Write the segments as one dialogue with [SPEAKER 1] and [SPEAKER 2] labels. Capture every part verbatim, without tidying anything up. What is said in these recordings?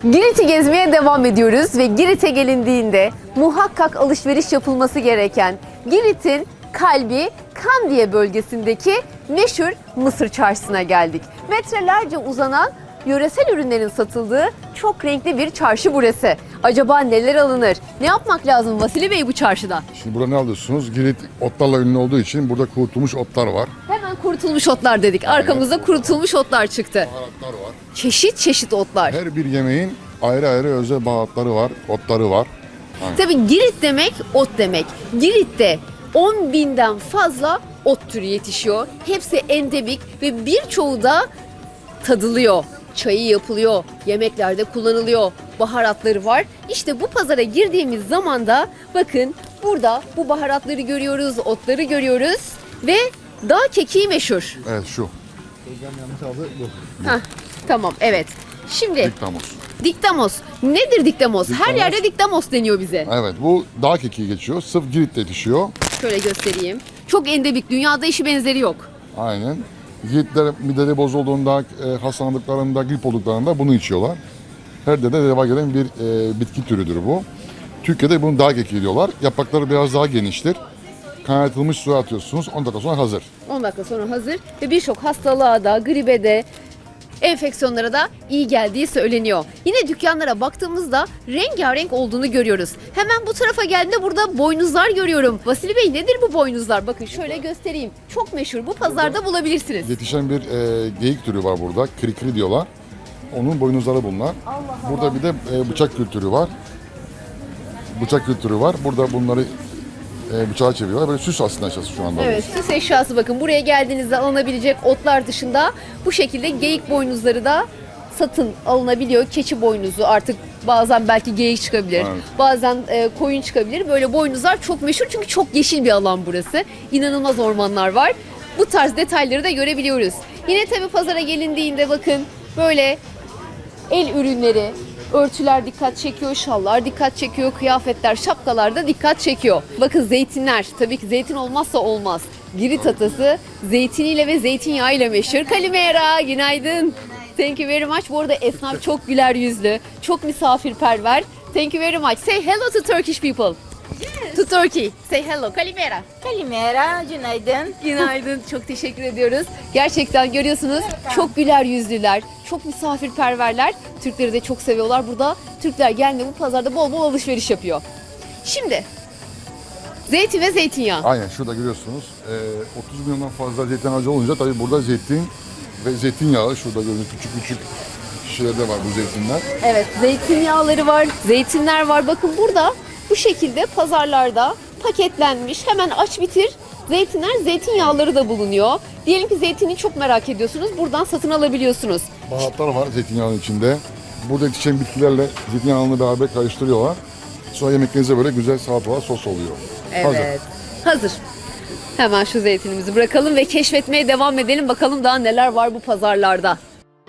[SPEAKER 1] Girit'i gezmeye devam ediyoruz ve Girit'e gelindiğinde muhakkak alışveriş yapılması gereken Girit'in kalbi Kandiye bölgesindeki meşhur Mısır Çarşısı'na geldik. Metrelerce uzanan yöresel ürünlerin satıldığı çok renkli bir çarşı burası. Acaba neler alınır? Ne yapmak lazım Vasili Bey bu çarşıda?
[SPEAKER 2] Şimdi burada ne alıyorsunuz? Girit otlarla ünlü olduğu için burada kurutulmuş otlar var.
[SPEAKER 1] Hemen kurutulmuş otlar dedik. Arkamızda kurutulmuş otlar çıktı.
[SPEAKER 2] Baharatlar var.
[SPEAKER 1] Çeşit çeşit otlar.
[SPEAKER 2] Her bir yemeğin ayrı ayrı özel baharatları var, otları var.
[SPEAKER 1] Tabii Girit demek ot demek. Girit'te on binden fazla ot türü yetişiyor. Hepsi endemik ve birçoğu da tadılıyor. Çayı yapılıyor, yemeklerde kullanılıyor, baharatları var. İşte bu pazara girdiğimiz zaman da bakın burada bu baharatları görüyoruz, otları görüyoruz ve dağ kekiği meşhur.
[SPEAKER 2] Evet şu.
[SPEAKER 1] Heh, tamam evet. Şimdi
[SPEAKER 2] Diktamos.
[SPEAKER 1] diktamos. Nedir diktamos? Her
[SPEAKER 2] Diktamos.
[SPEAKER 1] yerde diktamos deniyor bize.
[SPEAKER 2] Evet bu dağ kekiği geçiyor. Sırf Girit'te yetişiyor.
[SPEAKER 1] Şöyle göstereyim. Çok endemik. Dünyada eşi benzeri yok.
[SPEAKER 2] Aynen. Giritler mideleri bozulduğunda, e, hastalandıklarında, grip olduklarında bunu içiyorlar. Her dede deva gelen bir e, bitki türüdür bu. Türkiye'de bunu dağ kekiği diyorlar. Yaprakları biraz daha geniştir. Kaynatılmış suya atıyorsunuz. on dakika sonra hazır.
[SPEAKER 1] on dakika sonra hazır ve birçok hastalığa da, gribe de, enfeksiyonlara da iyi geldiği söyleniyor. Yine dükkanlara baktığımızda rengarenk olduğunu görüyoruz. Hemen bu tarafa geldiğimde burada boynuzlar görüyorum. Vasili Bey nedir bu boynuzlar? Bakın şöyle göstereyim. Çok meşhur. Bu pazarda bulabilirsiniz.
[SPEAKER 2] Yetişen bir e, geyik türü var burada. Krikri diyorlar. Onun boynuzları bunlar.
[SPEAKER 1] Allah
[SPEAKER 2] Burada bir de e, bıçak kültürü var. Bıçak kültürü var. Burada bunları e, bıçağa çeviriyorlar. Böyle süs aslında aşağısı şu anda.
[SPEAKER 1] Evet, süs eşyası bakın. Buraya geldiğinizde alınabilecek otlar dışında bu şekilde geyik boynuzları da satın alınabiliyor. Keçi boynuzu artık bazen belki geyik çıkabilir.
[SPEAKER 2] Evet.
[SPEAKER 1] Bazen e, koyun çıkabilir. Böyle boynuzlar çok meşhur çünkü çok yeşil bir alan burası. İnanılmaz ormanlar var. Bu tarz detayları da görebiliyoruz. Yine tabii pazara gelindiğinde bakın böyle el ürünleri, örtüler dikkat çekiyor, şallar dikkat çekiyor, kıyafetler, şapkalar da dikkat çekiyor. Bakın zeytinler, tabii ki zeytin olmazsa olmaz. Girit atası zeytiniyle ve zeytinyağıyla meşhur. Kalimera, günaydın. Thank you very much. Bu arada esnaf çok güler yüzlü, çok misafirperver. Thank you very much. Say hello to Turkish people. To Turkey. Say hello. Kalimera.
[SPEAKER 3] Kalimera, günaydın.
[SPEAKER 1] Günaydın. Çok teşekkür ediyoruz. Gerçekten görüyorsunuz çok güler yüzlüler, çok misafirperverler. Türkleri de çok seviyorlar. Burada Türkler geldiğinde bu pazarda bol bol alışveriş yapıyor. Şimdi zeytin ve zeytinyağı.
[SPEAKER 2] Aynen şurada görüyorsunuz. E, otuz milyondan fazla zeytin ağacı olunca tabii burada zeytin ve zeytinyağı şurada gördüğünüz küçük küçük şişelerde var bu zeytinler.
[SPEAKER 1] Evet, zeytinyağları var, zeytinler var. Bakın burada bu şekilde pazarlarda paketlenmiş. Hemen aç bitir. Zeytinler, zeytinyağları da bulunuyor. Diyelim ki zeytini çok merak ediyorsunuz. Buradan satın alabiliyorsunuz.
[SPEAKER 2] Baharatlar var zeytinyağının içinde. Burada yetişen bitkilerle zeytinyağını beraber karıştırıyorlar. Sonra yemeklerinize böyle güzel salatalar, sos oluyor. Hazır.
[SPEAKER 1] Evet. Hazır. Hemen şu zeytinimizi bırakalım ve keşfetmeye devam edelim. Bakalım daha neler var bu pazarlarda.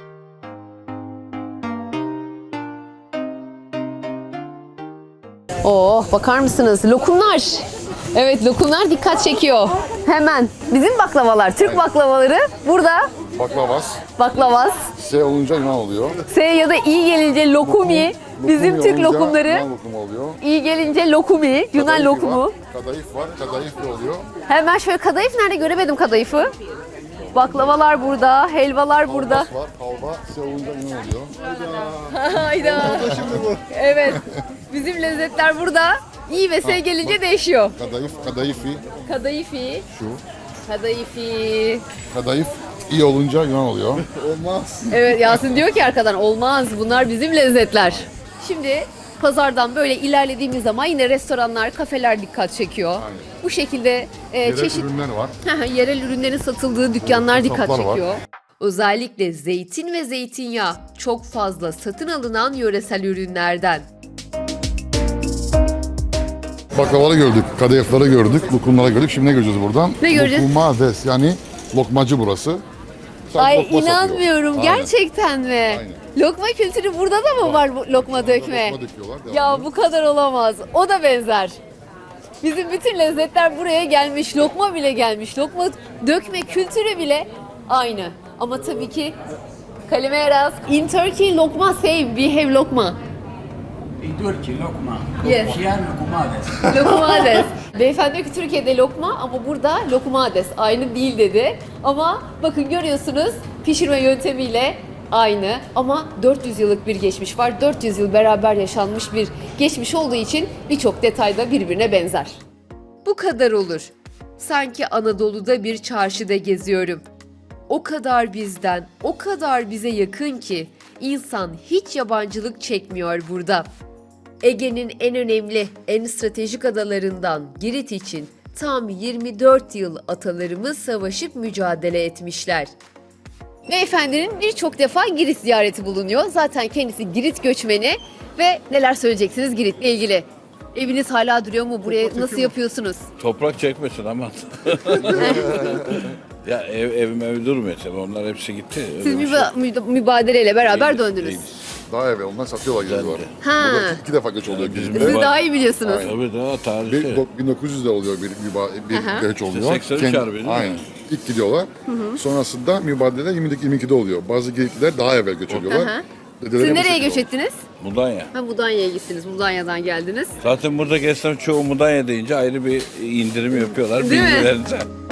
[SPEAKER 1] Oh, bakar mısınız? Lokumlar. Evet, lokumlar dikkat çekiyor. Hemen bizim baklavalar, Türk baklavaları burada.
[SPEAKER 2] Baklavas.
[SPEAKER 1] Baklavas.
[SPEAKER 2] S olunca Yunan oluyor.
[SPEAKER 1] S ya da İ gelince lokumi. Bizim
[SPEAKER 2] Lokumi
[SPEAKER 1] Türk
[SPEAKER 2] olunca
[SPEAKER 1] lokumları.
[SPEAKER 2] Yunan lokumu oluyor.
[SPEAKER 1] İ gelince lokumi, Yunan
[SPEAKER 2] Kadayıf
[SPEAKER 1] lokumu.
[SPEAKER 2] Var, kadayıf var. Kadayıf da oluyor.
[SPEAKER 1] Hemen şöyle kadayıf nerede göremedim kadayıfı. Baklavalar burada, helvalar burada.
[SPEAKER 2] Kalbas var. Kalba S olunca Yunan oluyor.
[SPEAKER 1] Hayda. Evet. Bizim lezzetler burada. İ ve S gelince değişiyor.
[SPEAKER 2] Kadayıf, kadayıfi
[SPEAKER 1] Kadayıfi,
[SPEAKER 2] şu.
[SPEAKER 1] kadayıfi.
[SPEAKER 2] Kadayıf iyi olunca Yunan oluyor. Olmaz.
[SPEAKER 1] Evet, Yasin diyor ki arkadan olmaz, bunlar bizim lezzetler. Şimdi pazardan böyle ilerlediğimiz zaman yine restoranlar, kafeler dikkat çekiyor.
[SPEAKER 2] Aynen.
[SPEAKER 1] Bu şekilde e,
[SPEAKER 2] Yerel
[SPEAKER 1] çeşit
[SPEAKER 2] ürünler var.
[SPEAKER 1] yerel ürünlerin satıldığı dükkanlar dikkat
[SPEAKER 2] kasaplar var.
[SPEAKER 1] çekiyor. Özellikle zeytin ve zeytinyağı çok fazla satın alınan yöresel ürünlerden.
[SPEAKER 2] Baklavaları gördük, kadayıfları gördük, lokumları gördük. Şimdi ne göreceğiz buradan?
[SPEAKER 1] Ne göreceğiz?
[SPEAKER 2] Lokumades yani lokmacı burası. Sadece
[SPEAKER 1] Ay
[SPEAKER 2] lokma satıyor.
[SPEAKER 1] inanmıyorum,
[SPEAKER 2] Aynen.
[SPEAKER 1] gerçekten mi?
[SPEAKER 2] Aynen.
[SPEAKER 1] Lokma kültürü burada da mı var, bu lokma dökme?
[SPEAKER 2] Lokma döküyorlar.
[SPEAKER 1] Ya
[SPEAKER 2] devamlı.
[SPEAKER 1] bu kadar olamaz. O da benzer. Bizim bütün lezzetler buraya gelmiş. Lokma bile gelmiş. Lokma dökme kültürü bile aynı. Ama tabii ki Kalimeras. In Turkey, lokma same. We have lokma.
[SPEAKER 4] In Turkey, lokma.
[SPEAKER 1] Yes.
[SPEAKER 4] Here, lokumades.
[SPEAKER 1] Lokumades. Beyefendi diyor ki Türkiye'de lokma ama burada lokumades. Aynı değil dedi. Ama bakın görüyorsunuz pişirme yöntemiyle aynı. Ama dört yüz yıllık bir geçmiş var. dört yüz yıl beraber yaşanmış bir geçmiş olduğu için birçok detayda birbirine benzer. Bu kadar olur. Sanki Anadolu'da bir çarşıda geziyorum. O kadar bizden, o kadar bize yakın ki insan hiç yabancılık çekmiyor burada. Ege'nin en önemli, en stratejik adalarından Girit için tam yirmi dört yıl atalarımız savaşıp mücadele etmişler. Beyefendinin birçok defa Girit ziyareti bulunuyor. Zaten kendisi Girit göçmeni ve neler söyleyeceksiniz Girit'le ilgili? Eviniz hala duruyor mu? Buraya nasıl yapıyorsunuz?
[SPEAKER 5] Toprak çekmesin aman. Ya ev, evim ev durmuyor tabii, onlar hepsi gitti. Öyle
[SPEAKER 1] Siz
[SPEAKER 5] bir şey
[SPEAKER 1] müba- müda- mübadeleyle beraber
[SPEAKER 5] Değiliz,
[SPEAKER 1] döndünüz.
[SPEAKER 5] değiliz.
[SPEAKER 2] Daha evvel onlar satıyorlar geliyorlar.
[SPEAKER 1] Ha.
[SPEAKER 2] Burada iki, iki defa göç oluyor.
[SPEAKER 5] Bizim
[SPEAKER 2] Bir,
[SPEAKER 1] Siz
[SPEAKER 5] müba-
[SPEAKER 1] daha iyi biliyorsunuz.
[SPEAKER 5] Tabii daha tarihte.
[SPEAKER 2] bir, bin dokuz yüzde oluyor bir, müba,
[SPEAKER 1] Aha.
[SPEAKER 2] bir göç oluyor.
[SPEAKER 5] seksen üç
[SPEAKER 2] Kendi-
[SPEAKER 5] harbi değil mi?
[SPEAKER 2] Aynen. İlk gidiyorlar. Sonrasında mübadele yirmi iki yirmi ikide oluyor. Bazı Giritliler daha evvel göç ediyorlar.
[SPEAKER 1] Aha.
[SPEAKER 2] Dedeleri
[SPEAKER 1] Siz
[SPEAKER 2] bu
[SPEAKER 1] nereye
[SPEAKER 2] şekilde
[SPEAKER 1] göç ettiniz?
[SPEAKER 5] Mudanya.
[SPEAKER 1] Ha Mudanya'ya gittiniz. Mudanya'dan geldiniz.
[SPEAKER 5] Zaten burada esnaf çoğu Mudanya deyince ayrı bir indirim yapıyorlar
[SPEAKER 1] Değil mi?
[SPEAKER 5] bilgilerinde.